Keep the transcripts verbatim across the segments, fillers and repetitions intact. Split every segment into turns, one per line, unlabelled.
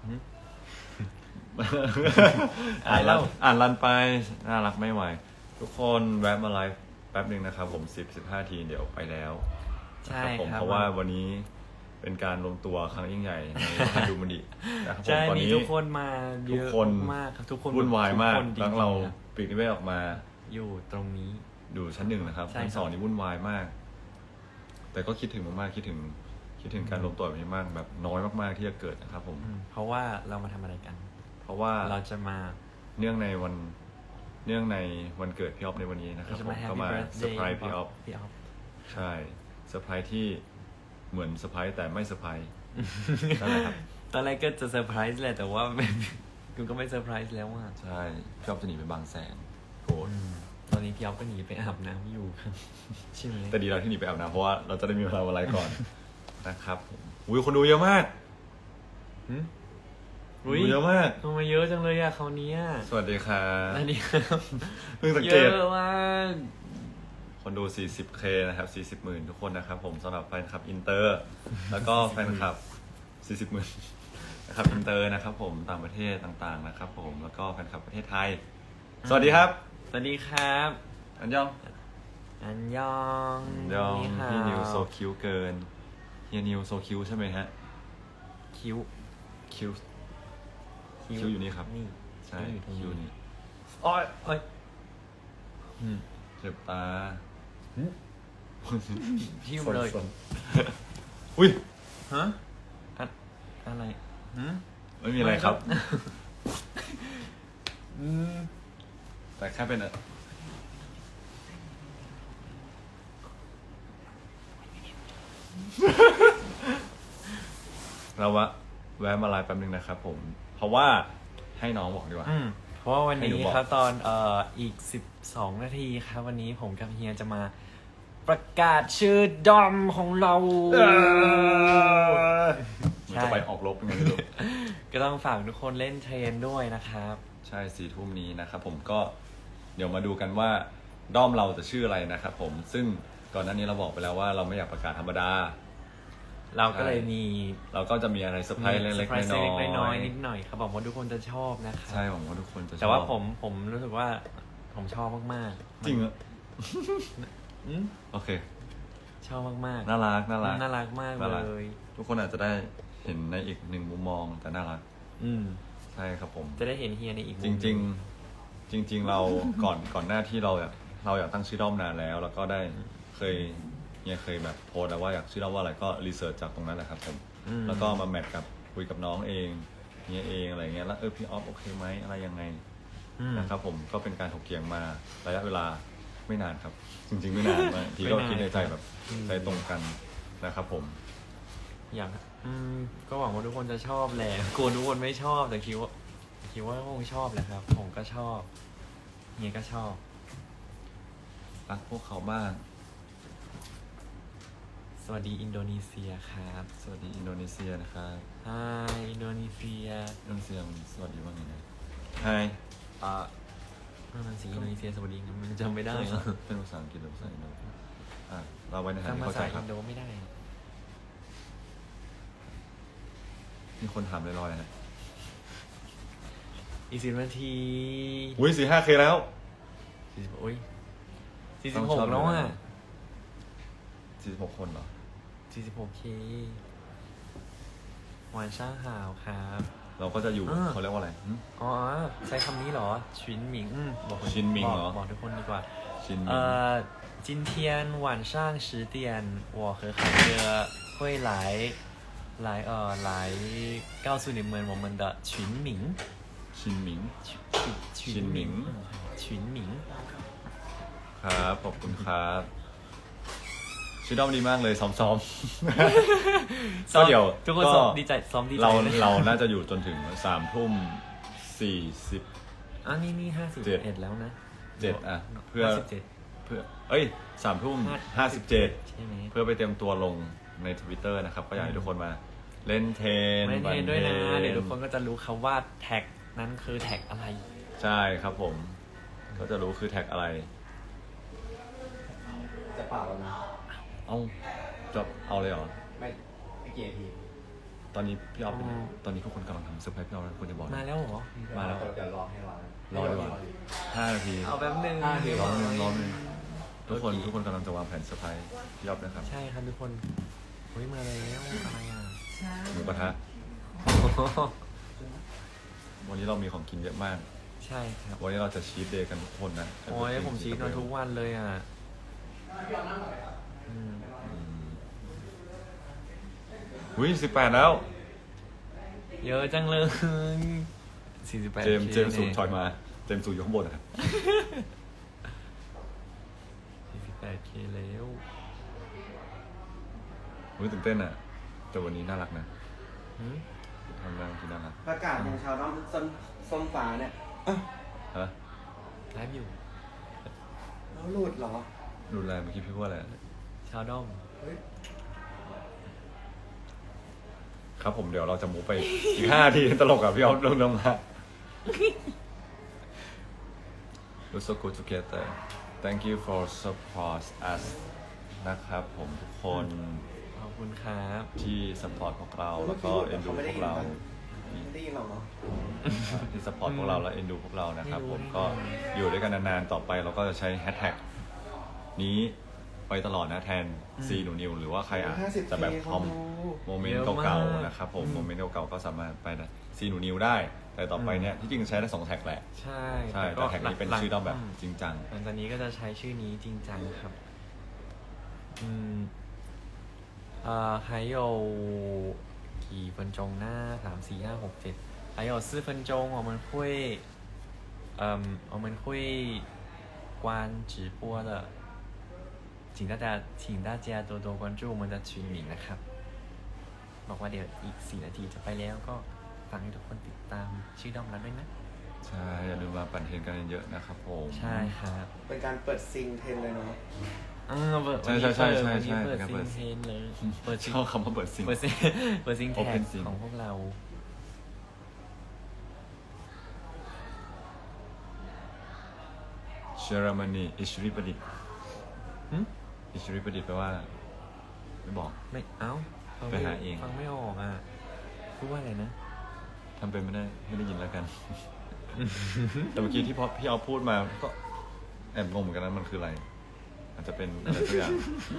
อ่านแล้วอ่านรันไปน่ารักไม่ไหวทุกคนแวะมาไลฟ์แป๊บหนึ่งนะครับผมสิบ สิบห้าทีเดี๋ยวไปแล้ว
ใช่
ผมเพราะว่าวันนี้เป็นการรวมตัวครั้งยิ่งใหญ่ในฮันดูมันดินะครับผมตอนนี้
ทุกคนมาเยอะมากครับทุกคน
วุ่นวายมากทั้งเราปีกนิเวศออกมา
อยู่ตรงนี้
อยู่ชั้นหนึ่งนะครับชั้นสองนี่วุ่นวายมากแต่ก็คิดถึงมากๆคิดถึงคิดถึงการรวมตัวแบบนี้มากแบบน้อยมากๆที่จะเกิดนะครับผม
เพราะว่าเรามาทำอะไรกัน
เพราะว่า
เราจะมา
เนื่องในวันเนื่องในวันเกิดพี่ออฟในวันนี้นะครับผมก็มาเซอร์ไพรส์พี่ออฟใช่เซอร์ไพรส์ที่เหมือนเซอร์ไพรส์แต่ไม่เซอร์ไพรส์นั่นแหละครับ
ตอนแรกก็จะเซอร์ไพรส์แหละแต่ว่าคุณก็ไม่เซอร์ไพรส์แล้วอ่ะ
ใช่พี่ออฟจะหนีไปบางแสนโกรธ
ตอนนี้พี่ออฟก็หนีไปอาบน้ำอยู่ใช่ไหม
แต่ดีเราที่หนีไปอาบน้ำเพราะว่าเราจะได้มีเวลาอะไรก่อนนะครับอุ้ยคนดูเยอะมาก
อุ้ย
เยอะมาก
ทำไมเยอะจังเลยอะเขาเนี้ย
สวัสดีครับ
สวัสดีครับ
เพิ่งสังเกต
เยอะมาก
คนดู สี่สิบเค นะครับ สี่สิบหมื่นทุกคนนะครับผมสำหรับแฟนคลับอินเตอร์แล้วก็แฟนคลับ สี่สิบหมื่นนะครับอินเตอร์นะครับผมต่างประเทศต่างๆนะครับผมแล้วก็แฟนคลับประเทศไทยสวัสดีครับ
สวัสดีครับ
อันยอง
อันยอง
ยองพี่นิวโซคิวเกินเฮียนิวโซคิวใช่ไหมฮะ
คิว
คิวคิวอยู่นี่ครับ
นี่
ใช่คิวนี่
อ้อยอ้อย
เจ็บตา
ทิ่มเลย
อุ้ย
ฮะอะไร
ไม่มีอะไรครับแต่แค่เป็นเราวะแวะมาไลฟ์แป๊บนึงนะครับผมเพราะว่าให้น้องบอกดีกว่า
เพราะว่าวันนี้ครับตอนเอ่ออีกสิบสองนาทีครับวันนี้ผมกับเฮียจะมาประกาศชื่อดอมของเรา
มันจะไปออกรบยังไงไม่รู้
ก็ต้องฝากทุกคนเล่นเทรนด้วยนะครับ
ใช่สี่ทุ่มนี้นะครับผมก็เดี๋ยวมาดูกันว่าด้อมเราจะชื่ออะไรนะครับผมซึ่งก่อนหน้านี้เราบอกไปแล้วว่าเราไม่อยากประกาศธรรมดา
เราก็เลยมี
เราก็จะมีอะไรเซอร์ไพรส์เล็ก
ๆน้อยๆนิดหน่อยครับบอกว่าทุกคนจะชอบนะครับ
ใช่ผมว่าทุกคนจะชอบ
แต่ว่าผมผมรู้สึกว่าผมชอบมาก
ๆจริงเหรอโอเค
ชอบมากๆ
น่ารักน่ารัก
น่ารักมากเลย
ทุกคนอาจจะได้เห็นในอีกหนึ่งมุมมองแต่น่ารัก
อืม
ใช่ครับผม
จะได้เห็นเฮียในอีกมุม
จริงๆจริงๆเราก่อนก่อนหน้าที่เราอยากเราอยากตั้งชื่อด้อมนานแล้วแล้วก็ได้เคยเนี่ยเคยแบบโพสแล้วว่าอยากชื่อด้อมว่าอะไรก็รีเสิร์ชจากตรงนั้นแหละครับผมแล้วก็มาแมทกับคุยกับน้องเองเนี่ยเองอะไรเงี้ยแล้วเออพี่ออฟโอเคไหมอะไรยังไงนะครับผมก็เป็นการถกเถียงมาระยะเวลาไม่นานครับจริงๆไม่นานมากทีก็คิดในใจแบบใจตรงกันนะครับผม
อยากอืมก็หวังว่าทุกคนจะชอบแหละกลัวทุกคนไม่ชอบแต่คิดว่าคิดว่าคงชอบแหละครับผมก็ชอบเฮียก็ชอบ
รักพวกเขาบ้าง
สวัสดีอินโดนีเซียครับ
สวัสดีอินโดนีเซียนะครับ
ไฮอินโดนีเซีย
อินโดนีเซียสวัสดีว่าไงนะไฮ
อ่านั่นสิอินโดนีเซียสวัสดีมันจำไม่ได้
เป็นภาษาอังกฤษหรือภาษาอินโดอ่าเราไว้ในฐานะ
เข้าใจครับอินโดไม่ได้
มีคนถามลอยๆนะ
อีกสิบนาที
อุ้ยสี่ห้าเคแล้ว
สี่สิบอุ้ยสี่สิบหกแล้วอ่ะ
สี่สิบหกคนเหรอ
สี่สิบหกเคหวานช่างหาวครับ
เราก็จะอยู่เขาเรียกว่าอะไร
อ๋อใช้คำนี้เหรอชินหมิง
บอกชินหมิงเหรอ
บอกทุกคนดีกว่า
ชินหมิง
เอ่อ今天晚上十点我和海哥会来来呃来告诉你们我们的群名
群名
群名群名
ครับขอบคุณครับชื่อด้อมดีมากเลยซ้อมซ้อมก็เดี๋ยว
ทุกคนซ้อมดีใจซ้อมดีใจ
เราเราน่าจะอยู่จนถึงสามทุ่มสี่สิบ
อ่ะนี่นี่ห้าสิบเอ็ดแล้วนะ
เจ็ดอ่ะเพื่อเพื่อเอ้ยสามทุ่มห้าสิบเจ็ดเพื่อไปเตรียมตัวลงใน Twitter นะครับก็อยากให้ทุกคนมาเล่นเทน
เล่นเทนด้วยนะเดี๋ยวทุกคนก็จะรู้ครับว่าแท็กนั้นคือแท็กอะไร
ใช่ครับผมก็จะรู้คือแท็กอะไร
จะเปล่าแล้วนะ
เอาจะเอาเลยเหรอ
ไม่ไม่เกียร์ที
ตอนนี้พี่ออฟเป็น
อ๋อ
ตอนนี้ทุกคนกำลังทำเซอร์ไพรส์พี่ออฟแล้วควรจะบอก
มา
นะ
แล้วเหรอ
มาแล้ว
เดี๋ยวรอให้ร้าน
รอดีกว่าห้านาที
เอาแป๊บนึง
ห้านาที
รอหนึ่งรอหนึ่งทุกคน
โอเค
ทุกคนกำลังจะวางแผนเซอร์ไพรส์พี่ออฟนะครับ
ใช่ครับทุกคนเฮ้ยมาแล้วอะไรอ่ะ
หมูกระทะวันนี้เรามีของกินเยอะมาก
ใช่ครับ
วันนี้เราจะชีทเดย์กันทุกคนนะ
โอ้ยผมชีสมาทุกวันเลยอ่ะอืม
อุ้ยสิบแปดแล้ว
เยอะจังเลยสี่สิบแปด
เจมส์เจมส์สูงถอยมา เจมส์สูงอยู่ข้างบนนะครับ
สี่สิบแปดเคแล้ว
อุ้ยตื่นเต้นอ่ะ แต่วันนี้น่ารักนะ
หืม
ทำงานที่น่ารัก
ประกาศของชาวน้องส้มส้มฟ้าเนี่ยอ้าว
ฮะ
ไลฟ์อยู่
แล้วหลุดเหรอ
รุนแรงเมื่อกี้พี่พูดอะไร
ชาวด้อม
เฮ้ย
ครับผมเดี๋ยวเราจะมูฟไป อีกห้านาทีตลกอ่ะพี่ออฟลงลงมา We're so good together Thank you for support us นะครับผมทุกคน
ขอบคุณครับ
ที่สปอร์ตพวกเราแล้วก็เอ็นดูพวกเรา
ไม่ได้ยินหรอกเนาะ
ที่สปอร์ตพวกเราและเอ็นดูพวกเรานะครับ
ไม่รู้
ผมก็อยู่ด้วยกันนานๆต่อไปเราก็จะใช้แฮชแท็กนี้ไปตลอดนะแทนซีหนูนิวหรือว่าใครอ่ะ
ห้าสิบ
จะแบบ
เค
คอม
คนดู
โมเมนต์เก่าๆนะครับผมโมเมนต์เก่าๆก็สามารถไปนะซีหนูนิวได้ แต่ต่อไปเนี่ยที่จริงใช้ได้สองแท็กแหละ
ใช่
ใช่แต่แท็กนี้เป็นชื่อด้อมแบบจริงจัง
หลังจากนี้ก็จะใช้ชื่อนี้จริงจังครับ อืมเอ่อ还有几分钟นะสามสี่ห้าหกเจ็ด还有四分钟我们会嗯我们会关直播的请大家请大家多多关注我们的群名นะครับบอกว่าเดี๋ยวอีกสี่นาทีจะไปแล้วก็ฟังให้ทุกคนติดตามชื่อด้อมแล้วด้วยนะ
ใช่อย่าลืมมาปั่นเทรนกันเยอะๆนะครับผม
ใช่ครับ
เป็นการเปิดซิงเทรนเลยเนาะ
เออเปิด
ใช่ใช่ใช่ใช่
วัน
ใช่
นี้เปิด
ครับ
ซิ
เปิ
ง
ด
เทนเลยเปิดซิง
ชอบคำว่าเปิดซิง
เปิดซิงเปิดซิงแท็
Open
ก
Sync
ของพวกเรา
เชอร์มานีอิชริประดิษฐ์
หึ
อิชริประดิษฐ์แปลว่า ไม่บอก
ไม่เอ้าฟัง
ไป
ม่
หาเอง
ฟังไม่ออกอ่ะพูดว่าอะไรนะ
ทำเป็นไม่ได้ไม่ได้ยินแล้วกัน แต่เมื่อกี้ที่พอพี่เอาพูดมาก็แอบงงเหมือนกันนะมันคืออะไร อาจจะเป็นอะไรสักอย่าง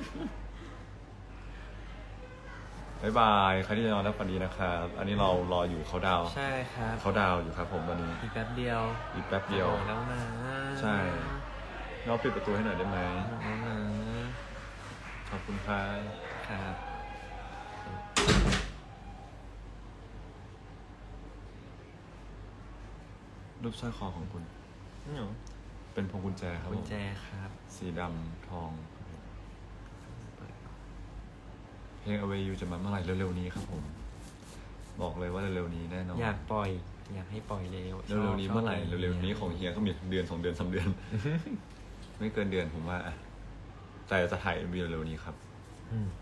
บ๊ายบายใครที่จะนอนแล้วฝันดีนะครับอันนี้เรารออยู่เขาดาวน์
ใช่ครับ
เขาดาวน์อยู่ครับผมตอนนี้
อีกแป๊บเดียว
อีกแป๊บเดียว
บอกแล้วนะ
ใช่ เราปิดประตูให้หน่อยได้ไหม
บอกแล้วนะ
ขอบคุณครับ
ครับ
รูปสร้อยคอของคุณ
นี่หนู
เป็นพวงกุญแจครับ
กุ
ผ
ญ
ม
แจครับ
สีดำทอง เพลง Away You จะมาเมื่อไหร่เร็วๆนี้ครับผม บอกเลยว่าเร็วๆนี้แน่นอน
อยากปล่อย อยากให้ปล่อยเร็ว
เร็วๆนี้
ชบ
เมื่อไหร่
ชบ
เร็วๆนี้ของเฮียก็มีเดือนสองเดือนสามเดือน ไม่เกินเดือนผมว่าอะแต่จะถ่าย เอ็ม วี เร็วๆนี้ครับ
อืม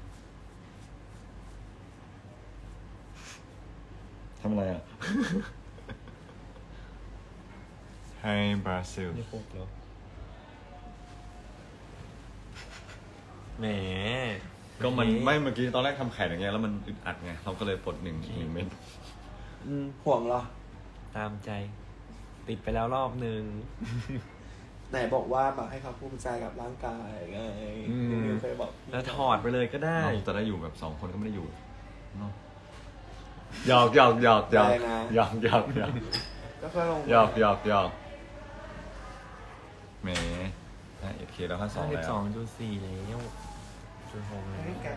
ทำอะไรอ่ะ ให้บราซิล
นี่พวกแล้วแหม
ก็มันไม่เมื่อกี้ตอนแรกทำแขนอย่างเงี้ยแล้วมันอึดอัดไงเราก็เลยปลดหนึ่งหนึ่งเม็ด
อืม
ห่วงเหรอ
ตามใจ ติดไปแล้วรอบหนึ่ง
ไหนบอกว่าแบบให้เขาภูมิใจกับร่างกายไงนิวเคยบอกพี่
แล้วถอดไปเลยก็ได้
เราจะได้อยู่แบบสองคนก็ไม่ได้อยู่เนาะหยอกหยอกหยอกหยอกหยอกหยอกหยอก
ก็เพื่อลง
หยอกหยอกหยอกแหมห้าเอ็ดเคแล้วห้าสอง
ห้าสิบ
แล้ว
สองจุดสี่แล้วจุดหกแล้ว
ให้แก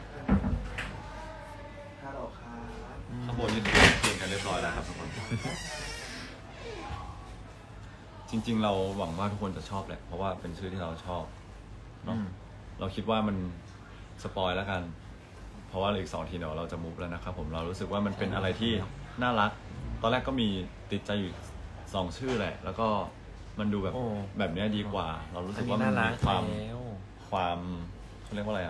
ฮัลโหลครับ
ข้างบนนี่เพียงกันเรียบร้อยแล้วครับทุกคน จริง ๆ เราหวังว่าทุกคนจะชอบแหละ เพราะว่าเป็นชื่อที่เราชอบเนาะ
อืม
เราคิดว่ามันสปอยแล้วกัน เพราะว่าเหลืออีกสองทีเดี๋ยวเราจะมุฟแล้วนะครับผมเรารู้สึกว่ามันเป็นอะไรที่น่ารัก ตอนแรกก็มีติดใจอยู่สองชื่อแหละ แล้วก็มันดูแบบ
โอ้
แบบเนี้ยดีกว่า เรารู้
อั
สึ
น
ก
นี้
ว่ามั
น่าน รั
มี
ก
ความ
แล้ว
ความเขาเรียกว่าอะไรอ่ะ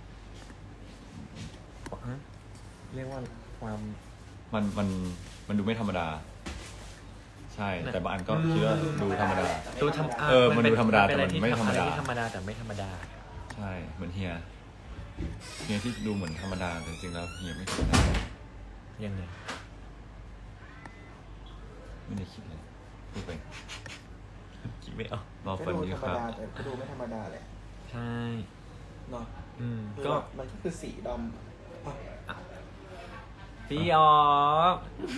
ฮะเรียกว่าความ
มันมันมันดูไม่ธรรมดา ใช่ แต่บางอันก็คิดว่าดูธรรมดา
ดูทำ
เออมันดูธรรมดา
เป็นอะ
แต่มันไม่ธรรมดา
อะที่ธรรมดาแต่ไม่ธรรมดา
ใช่เหมือนเฮียเฮียที่ดูเหมือนธรรมดาแต่จริงๆแล้วเฮียไม่ธรรมดา
ยังไง
ไม่ได้คิดเลยพูดไป
คิดไม่ออก
รอ
ก็
ฟัน
ดู
นี้
ธร
ค
รม
รับ
ดาแต่ก็ดูไม่ธรรมดาแหละ
ใช่
เนาะ
อืม
คือ
ก็
แบบมันก็คือสีดำอ่ะ
พี่ออฟ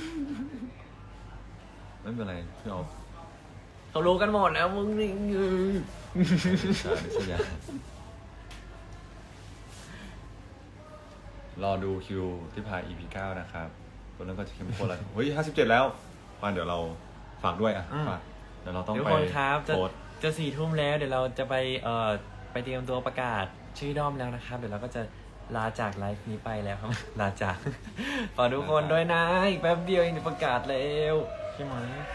ไม่เป็นไรพี่ออฟ
เขารู้กันหมดแล้วมึงนี่
ชาดิสยารอดูคิวที่พาย อี พี เก้านะครับตัวนั้นก็จะเข้มข้นแล้วเฮ้ยห้าสิบเจ็ดแล้วมาเดี๋ยวเราฝากด้วยอ่ะฝากเดี๋ยวเราต้อง
ทุก
ไป
คนครับจะ
โพสต์
จะสี่ทุ่มแล้วเดี๋ยวเราจะไปเอ่อไปเตรียมตัวประกาศชื่อด้อมแล้วนะครับ เดี๋ยวเราก็จะลาจากไลฟ์นี้ไปแล้วครับ ลาจาก ฝากทุกคนด้วยนะอีกแป๊บเดียวเองจะประกาศแล้วใช่ไหม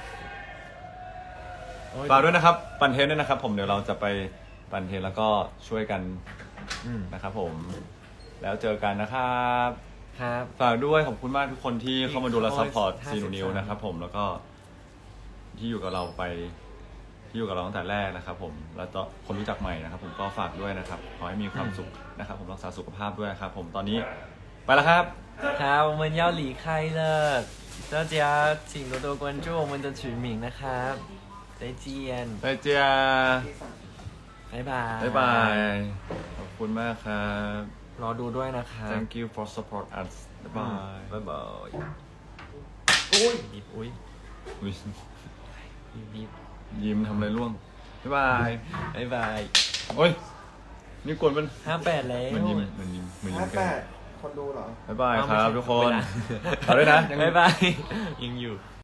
โอ้ย
ฝากด้วยนะครับ ปั่นเทรนด้วยนะครับ ผมเดี๋ยวเราจะไปปั่นเทรนแล้วก็ช่วยกัน
อืม
นะครับผมแล้วเจอกันนะครับ
ครับ
ฝากด้วยขอบคุณมากทุกคนที่เข้ามาดูและซัพพอร์ต
ห้า
ซี
สิบ
นูนิว
สาม
นะครับผมแล้วก็ที่อยู่กับเราไปที่อยู่กับเราตั้งแต่แรกนะครับผมแล้วก็คนรู้จักใหม่นะครับ ผมก็ฝากด้วยนะครับขอให้มีความสุขนะครับ ผมรักษาสุขภาพด้วยนะครับ ผมตอนนี้ไปแล้วครับ
ครับ我们要离开了大家请多多关注我们的群名นะครับ再见
ไปเจีย
บ๊ายบาย
บ๊ายบายขอบคุณมากครับ
รอดูด้วยนะครับ
thank you for support us บ๊ายบาย
บ๊ายบาย
อุ้ย
บีบอุ้ย
อุ๊ย
บีบบีบ
ยิ้มทำอะไรร่วงบ๊ายบาย
บ๊ายบาย
โอ้ยนี่กวนมัน
ห้าแปดแล้ว
มันยิ้มมันยิ้มมันยิ้
ห้าม
กั
แป
น
ดคนดูเหรอ
บ๊ายบาย
เอา
ครับ
ไม่ใช่
ทุกคน
เวลา
เอาด้วยนะยัง
บ๊ายบายยังอยู่